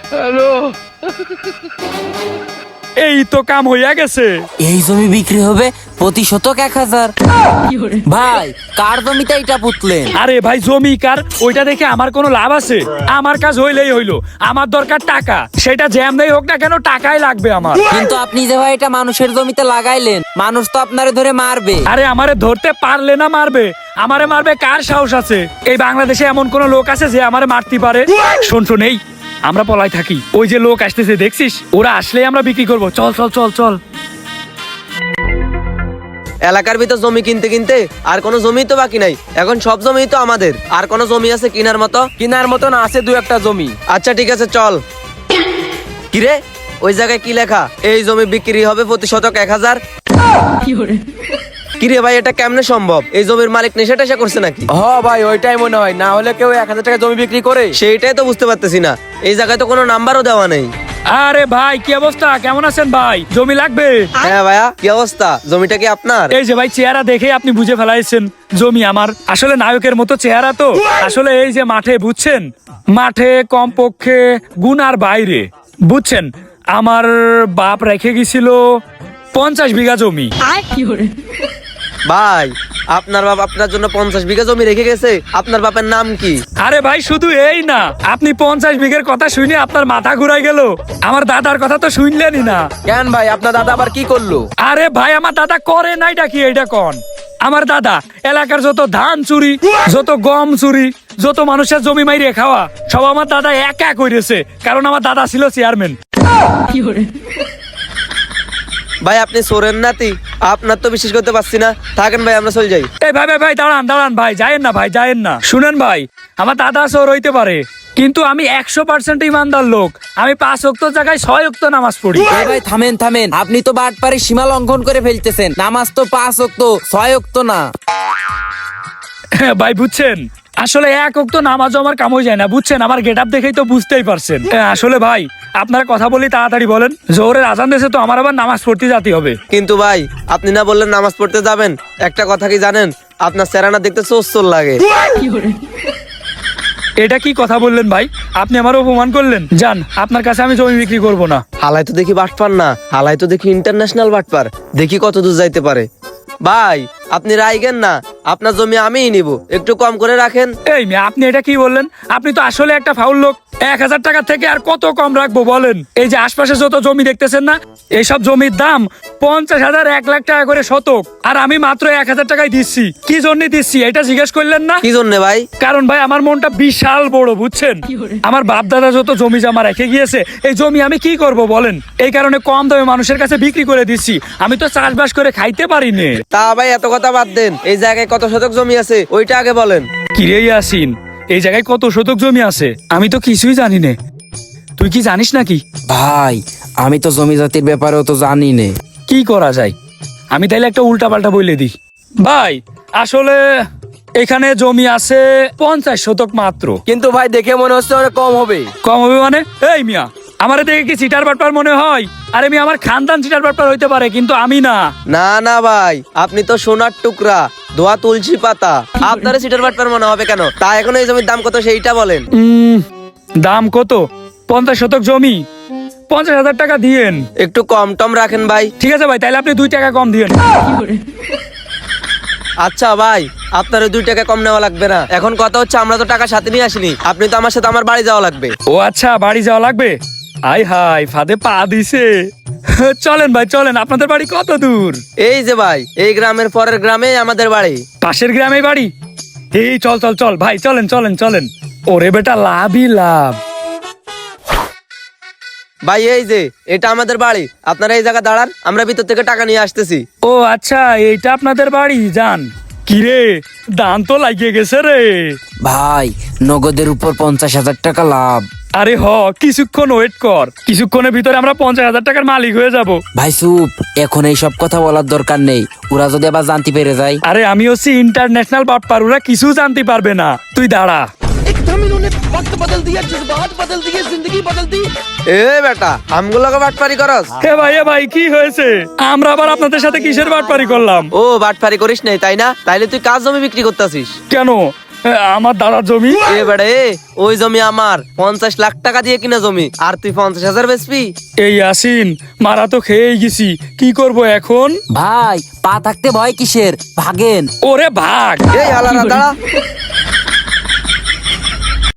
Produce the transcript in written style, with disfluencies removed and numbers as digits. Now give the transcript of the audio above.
Hello, এই তো কাম হইয়া গেছে। এই জমি বিক্রি হবে প্রতি শতক 1000। ভাই কার জমিতে এটা পুতলেন? আরে ভাই জমি কার ওইটা দেখে আমার কোনো লাভ আছে? আমার কাজ হইলেই হইলো, আমার দরকার টাকা, সেটা যেমনই হোক না কেন টাকাই লাগবে আমার। কিন্তু আপনি যে ভাই এটা মানুষের জমিতে লাগাইলেন, মানুষ তো আপনারে ধরে মারবে। আরে আমারে ধরতে পারলে না মারবে, আমারে মারবে কার সাহস আছে? এই বাংলাদেশে এমন কোন লোক আছে যে আমারে মারতে পারে? শোন শোন, এই আমরা পলাই থাকি, ওই যে লোক আসতেছে দেখছিস, ওরা আসলেই আমরা বিক্রি করব। চল চল চল চল। এলাকার ভিতর জমি কিনতে কিনতে আর কোনো জমি তো বাকি নাই, এখন সব জমি তো আমাদের। আর কোনো জমি আছে কেনার মতো? কেনার মতন আছে দু একটা জমি। আচ্ছা ঠিক আছে চল। কিরে ওই জায়গায় কি লেখা? এই জমি বিক্রি হবে প্রতি শতক 1000। কিরে ভাই এটা কেমনে সম্ভব? এই জমির মালিক নেশা টেশা করছে নাকি? হ ভাই ওইটাই মনে হয়, না হলে কেউ 1000 টাকা জমি বিক্রি করে? সেইটাই তো বুঝতে পারতেছি না, এই জায়গায় তো কোনো নাম্বারও দেওয়া নেই। আরে ভাই কি অবস্থা, কেমন আছেন ভাই? জমি লাগবে? হ্যাঁ ভাইয়া কি অবস্থা? জমিটা কি আপনার? এই যে ভাই চেহারা দেখে আপনি বুঝে ফেলাইছেন জমি আমার। আসলে নায়কের মতো চেহারা তো। আসলে এই যে মাঠে, বুঝছেন, মাঠে কমপক্ষে গুনার বাইরে, বুঝছেন, আমার বাপ রেখে গেছিল 50 বিঘা জমি। ভাই আপনার বাপ আপনার জন্য 50 বিঘা জমি রেখে গেছে? আপনার বাপের নাম কি? আরে ভাই শুধু এই না, আপনি 50 বিঘের কথা শুনে আপনার মাথা ঘুরাই গেল। আমার দাদার কথা তো শুনলেনই না। কেন ভাই আপনার দাদা আবার কি করলো? আরে ভাই আমার দাদা করে নাইটা কি এইটা কোন? আমার দাদা এলাকার যত ধান চুরি, যত গম চুরি, যত মানুষের জমি মাইরে খাওয়া, সব আমার দাদা একা করেছে, কারণ আমার দাদা ছিল চেয়ারম্যান। ভাই আপনি সোরেন নাতি, আপনার তো বিশ্বাস করতে পারছি না। থাকেন ভাই আমরা চলে যাই। এই ভাই ভাই ভাই দাঁড়ান দাঁড়ান ভাই, যায়েন না ভাই, যায়েন না। শুনেন ভাই, আমার দাদা চোর হইতে পারে, কিন্তু আমি 100% ইমানদার লোক। আমি 5 ওয়াক্ত জায়গায় 6 ওয়াক্ত নামাজ পড়ি। এই ভাই থামেন থামেন, আপনি তো বাটপারে সীমা লঙ্ঘন করে ফেলতেছেন। নামাজ তো 5 ওয়াক্ত, 6 ওয়াক্ত না। ভাই বুঝছেন, আসলে 1 ওয়াক্ত নামাজও আমার কাম হয়ে যায় না, বুঝছেন, আমার গেটআপ দেখেই তো বুঝতেই পারছেন। আসলে ভাই আপনারা কথা বলি তাড়াতাড়ি বলেন, জোহরের আজান দিয়েছে তো আমার আবার নামাজ পড়তে যেতে হবে। কিন্তু ভাই আপনি না বললেন নামাজ পড়তে যাবেন? একটা কথা কি জানেন, আপনার চেহারা দেখতে চোর লাগে। এটা কি কথা বললেন ভাই? আপনি আমার অপমান করলেন। যান, আপনার কাছে আমি জমি বিক্রি করব না। হালাই তো দেখি বাটপার না, হালাই তো দেখি ইন্টারন্যাশনাল বাটপার। দেখি কত দূর যাইতে পারে। ভাই আপনি রাইগেন না, আপনার জমি আমিই নিব, একটু কম করে রাখেন। এই মেয়ে, আপনি এটা কি বললেন? আপনি তো আসলে একটা ফাউল লোক। 1000 টাকা থেকে আর কত কম রাখবো বলেন? এই যে আশপাশে যত জমি দেখতেছেন না, এইসব জমির দাম 50,000 1 লাখ টাকা করে শতক, আর আমি মাত্র 1000 টাকায় দিচ্ছি। কি জন্য দিচ্ছি এটা জিজ্ঞেস করলেন না? কি জন্য ভাই? কারণ ভাই আমার মনটা বিশাল বড়, বুঝছেন, আমার বাপ দাদা যত জমি জমা রেখে গিয়েছে, এই জমি আমি কি করব বলেন? এই কারণে কম দামে মানুষের কাছে বিক্রি করে দিচ্ছি। আমি তো চাষবাস করে খাইতে পারি না। তা ভাই এত কথা বাদ দেন, এই জায়গায় কত শতক জমি আছে ওইটা আগে বলেন। কিরে ইয়াসিন, এই জায়গায় কত শতক জমি আছে আমি তো কিছুই জানি না, তুই কি জানিস নাকি? ভাই আমি তো জমি জাতির ব্যাপারেও তো জানি না। কি করা যায়, আমি তাইলে একটা উল্টা পাল্টা বলে দিই। ভাই আসলে এখানে জমি আছে 50 শতক মাত্র। কিন্তু ভাই দেখে মনে হচ্ছে অনেক কম হবে। কম হবে মানে? এই মিয়া, আমারে দেখে কি চিটার বাটপার মনে হয়? আরে মিয়া, আমার খানদান চিটার বাটপার হইতে পারে, কিন্তু আমি না। না না ভাই, আপনি তো সোনার টুকরা, ধোয়া তুলসী পাতা, আপনারা সিটার বাটপার মনে হবে কেন? তা এখন এই জমির দাম কত সেইটা বলেন। দাম কত? 50 শতক জমি, 50,000 টাকা দিয়েন। একটু কম টম রাখেন ভাই। ঠিক আছে ভাই, তাহলে আপনি 2 টাকা কম দিয়েন। আচ্ছা ভাই, আপনার 2 টাকা কম নেওয়া লাগবে না। এখন কথা হচ্ছে আমরা তো টাকা সাথে নিয়ে আসিনি, আপনি তো আমার সাথে আমার বাড়ি যাওয়া লাগবে। ও আচ্ছা, বাড়ি যাওয়া লাগবে। আই হাই, ফাঁদে পা দিছে। চলেন ভাই চলেন, আপনাদের বাড়ি কত দূর? এই যে ভাই, এই গ্রামের পরের গ্রামে আমাদের বাড়ি। পাশের গ্রামে বাড়ি? এই চল চল চল ভাই, চলেন চলেন চলেন। ওরে বেটা, লাভই লাভ। ভাই এই যে এটা আমাদের বাড়ি, আপনারা এই জায়গা দাঁড়ান, আমরা ভিতর থেকে টাকা নিয়ে আসতেছি। ও আচ্ছা, এইটা আপনাদের বাড়ি? যান। কিরে, দান তো লাগিয়ে গেছে রে। ভাই নগদের উপর 50,000 টাকা লাভ। আরে কিছুক্ষণ ওয়েট কর, কিছুক্ষণের ভিতরে আমরা 50,000 টাকার মালিক হয়ে যাব। ভাই চুপ, এখন এই সব কথা বলার দরকার নেই, ওরা যদি আবার জানতে পেরে যায়। আরে আমি হচ্ছি ইন্টারন্যাশনাল বাটপার, ওরা কিছু জানতে পারবে না, তুই দাঁড়া। এ বেটা, আমগুলোকে বাটপারি করস? হে ভাই, এ ভাই, কি হয়েছে? আমরা আবার আপনাদের সাথে কিসের বাটপারি করলাম? ও বাটপারি করিস নাই তাই না? তাইলে তুই কাজ জমি বিক্রি করতেছিস কেন? আমার দাদার জমি। এবারে ওই জমি আমার 50 লাখ টাকা দিয়ে কিনা জমি, আর তুই 50,000 বেচবি? এই আসিন, মারা তো খেয়েই গেছি, কি করব এখন? ভাই পা থাকতে ভয় কিসের, ভাগেন। ওরে ভাগ। এই হালারা দাঁড়া।